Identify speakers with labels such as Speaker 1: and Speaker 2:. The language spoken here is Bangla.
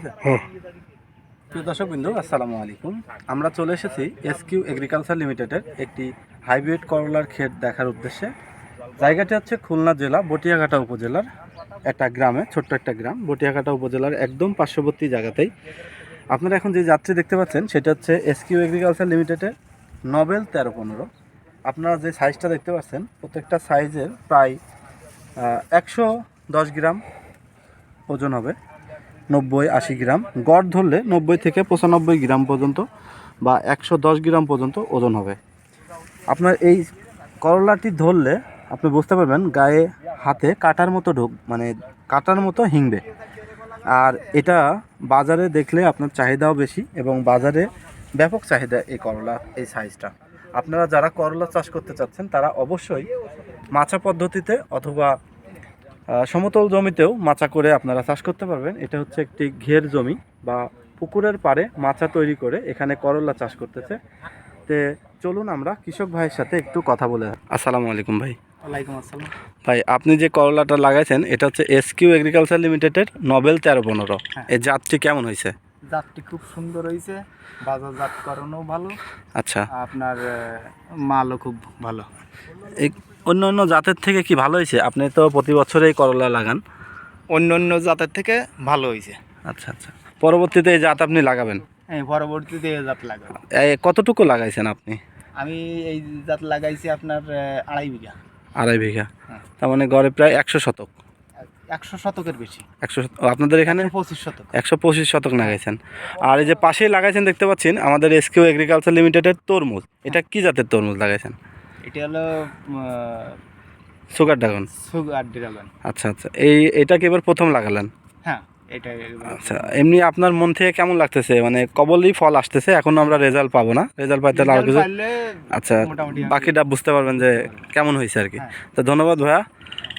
Speaker 1: সাথে? প্রিয় দর্শকবৃন্দ, আসসালামু আলাইকুম। আমরা চলে এসেছি এসকিউ এগ্রিকালচার লিমিটেডের একটি হাইব্রিড করলার ক্ষেত দেখার উদ্দেশ্যে। জায়গাটি হচ্ছে খুলনা জেলা বটিয়াঘাটা উপজেলার একটা গ্রামে, ছোট্ট একটা গ্রাম, বটিয়াঘাটা উপজেলার একদম পার্শ্ববর্তী জায়গাতেই। আপনারা এখন যে যাত্রী দেখতে পাচ্ছেন সেটা হচ্ছে এসকিউ এগ্রিকালচার লিমিটেডের নবেল 1315। আপনারা যে সাইজটা দেখতে পাচ্ছেন প্রত্যেকটা সাইজের প্রায় 110 গ্রাম ওজন হবে, 90-80 গ্রাম গড় ধরলে 90 থেকে 95 গ্রাম পর্যন্ত বা 110 গ্রাম পর্যন্ত ওজন হবে। আপনার এই করলাটি ধরলে আপনি বুঝতে পারবেন গায়ে হাতে কাটার মতো কাটার মতো হিংবে। আর এটা বাজারে দেখলে আপনার চাহিদাও বেশি এবং বাজারে ব্যাপক চাহিদা এই করলা, এই সাইজটা। আপনারা যারা করলা চাষ করতে চাচ্ছেন তারা অবশ্যই মাচা পদ্ধতিতে অথবা সমতল জমিতেও মাচা করে আপনারা চাষ করতে পারবেন। এটা হচ্ছে একটি ঘের জমি বা পুকুরের পাড়ে মাচা তৈরি করে এখানে করলা চাষ করতেছে। তে চলুন আমরা কৃষক ভাইয়ের সাথে একটু কথা বলে। আসসালামু আলাইকুম ভাই।
Speaker 2: ওয়ালাইকুম আসসালাম।
Speaker 1: ভাই, আপনি যে করলাটা লাগাইছেন এটা হচ্ছে এসকিউ এগ্রিকালচার লিমিটেডের নবেল 1315। এই জাতটি কেমন হয়েছে?
Speaker 2: জাতটি খুব সুন্দর হয়েছে, বাজারজাতকরণও ভালো।
Speaker 1: আচ্ছা,
Speaker 2: আপনার মালও খুব ভালো।
Speaker 1: এই অন্য অন্য জাতের থেকে কি ভালো হয়েছে? আপনি তো প্রতি বছরেই করলা লাগান।
Speaker 2: অন্য অন্য জাতের থেকে ভালো হয়েছে।
Speaker 1: আচ্ছা আচ্ছা, পরবর্তীতে এই জাত আপনি লাগাবেন?
Speaker 2: হ্যাঁ, পরবর্তীতে এই জাত লাগাবো।
Speaker 1: কতটুকু লাগাইছেন আপনি?
Speaker 2: আমি এই জাত লাগাইছি আপনার 2.5 বিঘা।
Speaker 1: 2.5 বিঘা,
Speaker 2: হ্যাঁ।
Speaker 1: তার মানে গড়ে প্রায় 100 শতক।
Speaker 2: 100 শতকের বেশি।
Speaker 1: 100 আপনাদের এখানে
Speaker 2: 25 শতক।
Speaker 1: 125 শতক লাগাইছেন। আর এই যে পাশেই লাগাইছেন দেখতে পাচ্ছেন আমাদের এসকিউ এগ্রিকালচার লিমিটেডের তরমুজ। এটা কি জাতের তরমুজ লাগাইছেন?
Speaker 2: এটা হলো
Speaker 1: সুগার ড্রাগন।
Speaker 2: Sugar dragon.
Speaker 1: আচ্ছা আচ্ছা, এটা কি এবার প্রথম লাগালেন?
Speaker 2: হ্যাঁ, এটা।
Speaker 1: আচ্ছা, এমনি আপনার মন থেকে কেমন লাগতেছে? মানে কবলই ফল আসতেছে, এখন আমরা রেজাল্ট পাবো না, রেজাল্ট পাইতে আরো কিছু। আচ্ছা, বাকিটা বুঝতে পারবেন যে কেমন হয়েছে আর কি। তো ধন্যবাদ ভাইয়া।